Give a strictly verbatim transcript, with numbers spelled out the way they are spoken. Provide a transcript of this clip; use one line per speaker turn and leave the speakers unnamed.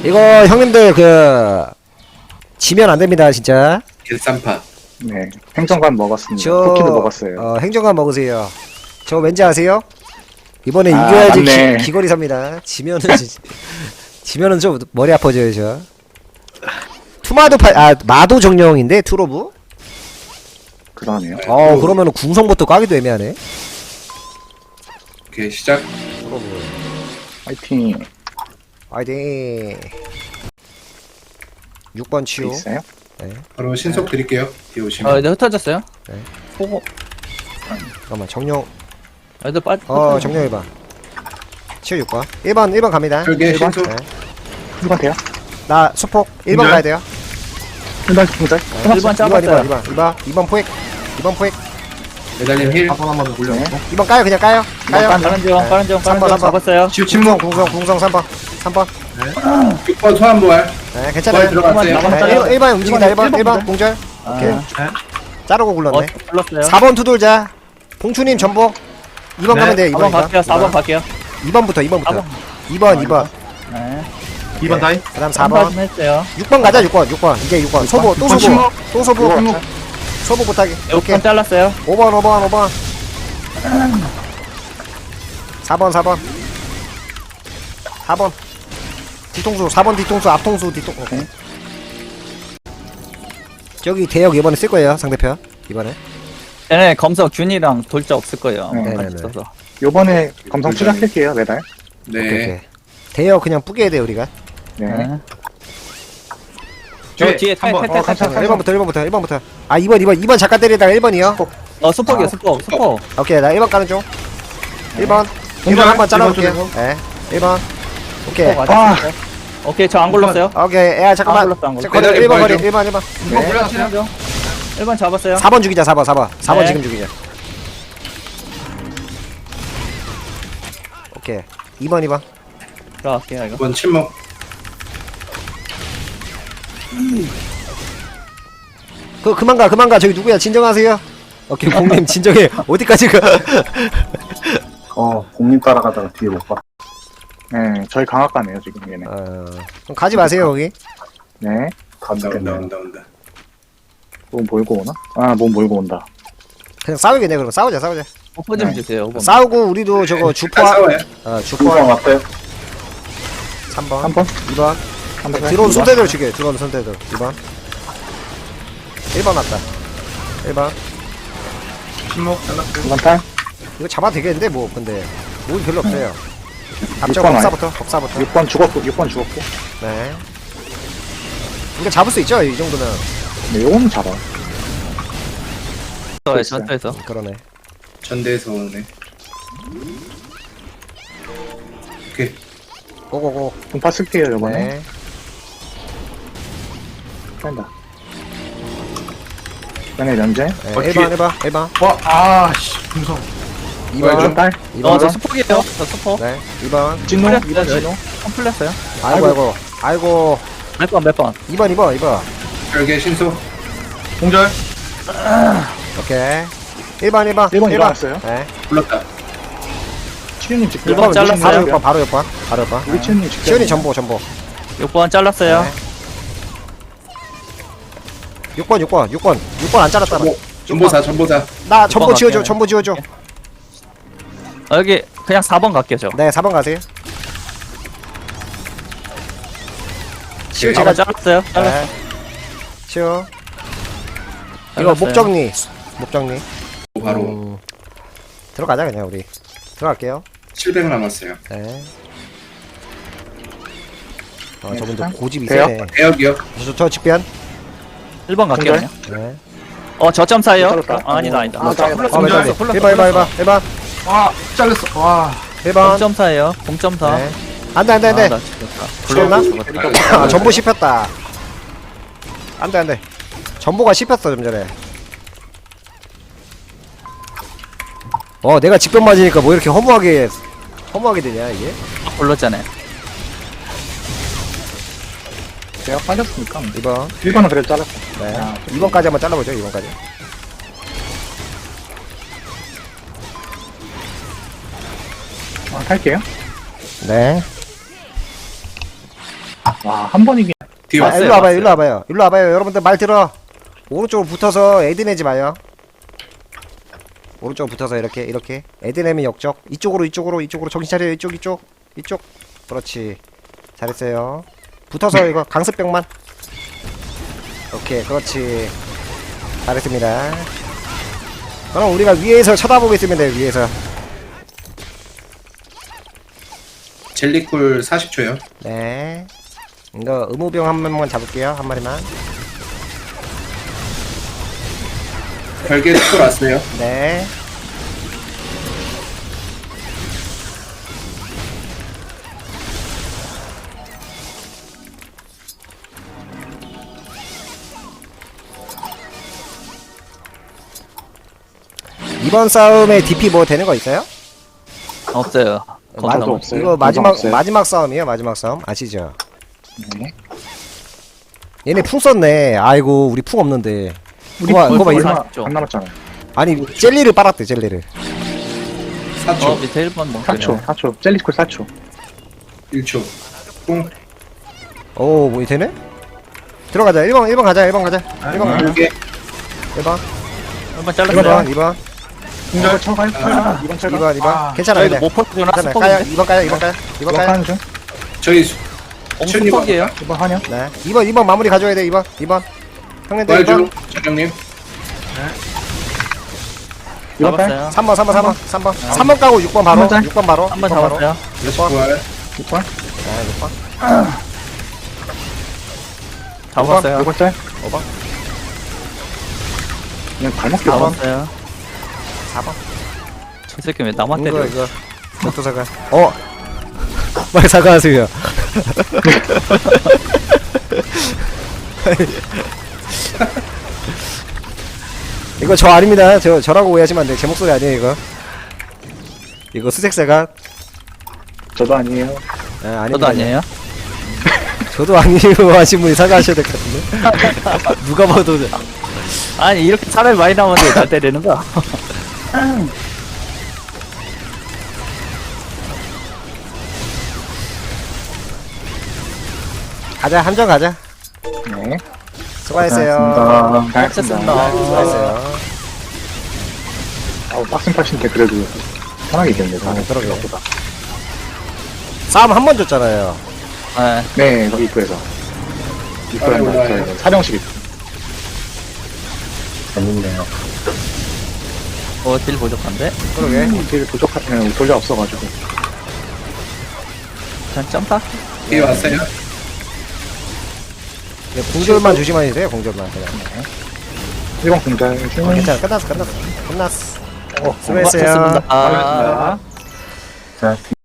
이거 형님들 그 지면 안 됩니다 진짜.
개쌈파.
네, 행정관 먹었습니다.
저
쿠키도 먹었어요.
어, 행정관 먹으세요. 저 왠지 아세요? 이번에
아,
이겨야지
맞네.
기, 귀걸이 삽니다. 지면은 지, 지면은 좀 머리 아파져요 저. 투마도 파, 아 마도 정령인데 투로브?
그러네요.
어 그러면은 궁성부터 까기도 애매하네.
오케이 시작.
투로브.
화이팅.
화이팅. 육 번 치유.
있어요?
바로 신속 드릴게요. 뒤에 오시면.
어, 이제 흩어졌어요.
네.
보고.
잠깐만 정령.
애들 빠.
어 정령 일 번. 치유 육 번. 일 번 일 번 갑니다.
저게
일 번?
신속.
네.
일 번 돼요?
나 수폭 일 번
공절?
가야 돼요.
일 번 공절?
일 번
이 번
잡았어요.
이 번 이 번 이 번 이 번 포획. 이 번 포획.
매달림 힐.
한번 굴려.
네.
이 번 까요 그냥 까요. 까요.
깐-
빠른 중,
네.
빠른 중,
삼
빠른
번,
중
삼 번.
잡았어요.
치유
궁성
침묵.
궁성 궁성 삼 번. 삼 번.
육 번 소환부활.
네
부활
괜찮아요.
들어갔어요.
한번
네, 일 번 일 번 움직인다 일 번 일 번
번
공절. 오케이.
아,
자르고
어,
굴렀네.
불렀어요.
사 번 투돌자. 봉추님 전복. 이 번
네.
가면 돼. 이
사
번
번 갈게요. 사 번 갈게요.
이 번부터 이 번부터.
사 번.
이 번 이 번.
네.
이 번 다이.
그다음 사
사 번
번.
했어요.
육 번 가자 육 번 육 번. 이제 육 번. 소보 또
번
소보.
침묵.
또 소보.
침묵.
소보 못하게.
육
오케이.
번 잘랐어요.
오 번 오 번 오 번. 사 번 사 번. 사 번. 뒤통수 사 번 뒤통수 앞통수 뒤통. 오케이. 저기 대역 이번에 쓸 거예요 상대편 이번에.
얘네 검석 균이랑 돌자 없을 거예요.
네,
같이
네네네.
있어서.
요번에 검성 추락할게요, 매달.
네.
오케이, 오케이. 대역 그냥 뿌개야 돼 우리가.
네.
네. 저 뒤에
한 번.
탈탈탈
어, 괜찮아.
일 번부터 일 번부터 일 번부터. 아 이 번 이 번 이 번 잠깐 때리다가 일 번이요.
어, 수폭이요, 수폭, 수폭.
오케이 나 일 번 까는 중. 일 번. 일 번 한번 잘라볼게요. 예. 일 번. 오케이.
수폭
아.
맞았어요. 오케이, 저 안 굴렀어요.
오케이. 야 잠깐만.
안 굴렀어, 안 굴렀어.
거리 일 번 거리
좀.
일 번 일 번.
네. 굴렀어요. 일 번 잡았어요.
사 번 죽이자 사 번 사 번. 사 번
네.
지금 죽이자. 오케이. 이 번 이 번.
들어갈게요, 이거.
이 번 침묵.
그 그만 가 그만 가. 저기 누구야? 진정하세요. 오케이 공님 진정해. 어디까지 가?
어, 공님 따라가다가 뒤에 못 봐.
네, 저희 강학과네요, 지금 얘네.
어. 그럼 가지 마세요 거기.
네.
다
온다 온다
죽겠네.
온다 온다.
몸 몰고 오나? 아, 몸 몰고 온다.
그냥 싸우겠네 그럼 싸우자 싸우자.
오퍼 좀
네.
주세요, 오퍼.
싸우고 우리도 저거
다
주포.
싸워요.
어
중성
주포
어때?
삼 번.
한 번?
이 번.
한 번.
들어온 손대들 죽여. 들어온 손대들. 이 번. 일 번 왔다. 일 번.
침묵 잘랐어요.
한 번 탈?
이거 잡아도 되겠는데 뭐 근데 뭐 별로 없어요. 앞쪽
육 번
법사부터 법사부터.
육 번 죽었고, 육 번 죽었고.
네. 이거 잡을 수 있죠 이 정도는.
네, 요거는 잡아.
네, 전투에서.
그러네.
전대에서 오네. 오케이.
고고고.
분파 쓸게요, 요번에.
네.
뺀다. 얘네 면제.
네.
어,
일 번 일 번 일 번.
와, 아, 씨, 중성.
이
뭐야,
번.
좀 딸.
이
어,
번.
저 수폭이에요. 저 수폭.
네. 이 번.
진노,
풀렸어요,
이 번
저희.
진노.
한 풀렸어요.
아이고 아이고. 아이고.
몇 번, 몇 번.
이 번 이 번 이 번.
별개 신속.
공절.
오케이. 일 번 일 번.
일 번 일어났어요.
네.
불렀다.
치유님 직접.
일 번
일 번
잘랐어요.
바로 육 번 바로 육 번. 바로 육 번.
우리 치유님 직접.
시온이 전보 전보.
육 번 잘랐어요.
네. 육 번 육 번 육 번 육 번 안 잘랐다.
전보. 전보사 전보사.
나 전보
번
지워줘
갈게요.
전보 지워줘.
어, 여기 그냥 사 번 갈게요, 저.
네 사 번 가세요. 시오
네.
사 번
제가
잘랐어요. 잘랐어요.
네. 시오. 이거
잘랐어요.
목정리 목정리.
바로
음, 들어가자 그냥 우리. 들어갈게요.
칠백 남았어요.
네. 아
네,
저분도
상-
고집이
돼요?
세네.
대역이요.
저, 저 직변.
일 번 갈게요,
공절?
그냥.
네.
어, 저점 사이요?
잘랐다.
아, 아니다, 아니다.
아, 나-
아
불렀어,
맞아.
불렀어, 불렀어,
일 번 일 번 일 번
불렀어.
일 번
와, 잘렸어. 와.
일 번.
공점 사예요. 공점 사.
네. 안돼 안돼
아,
안돼.
나 죽였다.
죽였나?
죽었다.
아, 전보 씹혔다. 안돼 안돼. 전보가 씹혔어 좀 전에. 어 내가 직변 맞으니까 뭐 이렇게 허무하게 허무하게 되냐 이게?
불렀잖아요.
제가 빠졌으니까.
이 번.
일 번은 그래도 잘랐어.
네.
아,
이 번까지 한번 잘라보죠. 이 번까지.
아, 탈게요.
네.
와, 한 번이긴.
뒤에
아,
왔어요.
일로 와봐요
왔어요.
일로 와봐요 일로 와봐요 여러분들 말 들어. 오른쪽으로 붙어서 애드 내지 마요. 오른쪽으로 붙어서 이렇게 이렇게 애드 내면 역적. 이쪽으로 이쪽으로 이쪽으로 정신 차려요. 이쪽 이쪽 이쪽. 그렇지 잘했어요. 붙어서 이거 강습병만. 오케이 그렇지 잘했습니다. 그럼 우리가 위에서 쳐다보고 있으면 돼요. 위에서.
젤리쿨 사십 초요.
네 이거 의무병 한 명만 잡을게요. 한 마리만.
별개 스쿨 왔어요.
네 이번 싸움에 디피 뭐 되는 거 있어요?
없어요. 거기
마-
넘어.
없어요.
이거 마지막
없어요.
마지막 싸움이에요. 마지막 싸움 아시죠?
네.
얘네 풍 썼네. 아이고 우리 풍 없는데.
우리
그거 봐,
벌써
그거 봐,
얼마
이거.
안 남았잖아.
아니 젤리를 빨았대 젤리를.
사 초.
어 밑에 일 번
사 초,
멍청이네.
사 초. 젤리스쿨 사 초.
일 초. 뿡.
오 뭐 되네? 들어가자. 일 번 일 번 가자. 일 번 가자. 일 번 가자.
별개.
일 번
일 번
이
잘랐어요.
번 이 번
이번 철가 철가. 이번
이
철가.
번 이 번 괜찮아
저희도
근데.
못 퍼주나
괜찮아 까요.
스포인데.
이 번 까요. 이 번 까요. 이 번
이번
까요.
하는 중.
저희 수-
어,
춘이
스포이에요.
이번 하냐?
네. 이 번 이 번 마무리 가져야 돼. 이 번 이 번 형님들 이
부활
번
중. 전형님.
이번 딸.
잡았어요.
삼 번 삼 번 삼 번 삼 번 삼 번 까고 육 번 바로
한 번 짤.
육 번 바로
한 번
육 번 바로.
잡았어요.
다시 부활.
육 번.
네, 육 번.
잡았어요.
이번 짤.
오 번
그냥 발목
사 번.
껴.
잡았어요.
사 번.
저 새끼 왜 나만
이거
때려?
이거 목도 사과. 어. 빨리 사과하세요. 이거 저 아닙니다. 저 저라고 오해하시면 안 돼. 제 목소리 아니에요 이거. 이거 수색사가.
저도 아니에요.
아, 아닙니다.
저도 아니에요.
저도 아니에요 하신 분이 사과하셔야 될 것 같은데. 누가 봐도.
아니 이렇게 사람이 많이 나오는데 왜 날 때리는 거야?
가자 함정 가자.
네.
수고하셨어요.
잘했습니다.
수고하셨어요.
아우 빡센 팟인데 그래도 편하게 이겼네.
아, 그러게.
생각보다.
싸움 한 번 줬잖아요.
네.
네, 거기 입구에서. 입구에
아이고,
한다.
아이고.
저희는 사령식 입구.
재밌네요.
어, 딜 부족한데?
그러게.
딜 부족하면 돌려 없어가지고.
그냥 점프?
뒤에 왔어요.
네, 공절만 조심하세요. 공절만 그냥.
일번 공잘
어,
중.
괜찮아. 끝났어. 끝났어. 끝났어.
어,
수고했어요.
고맙습니다.
고맙습니다.
자,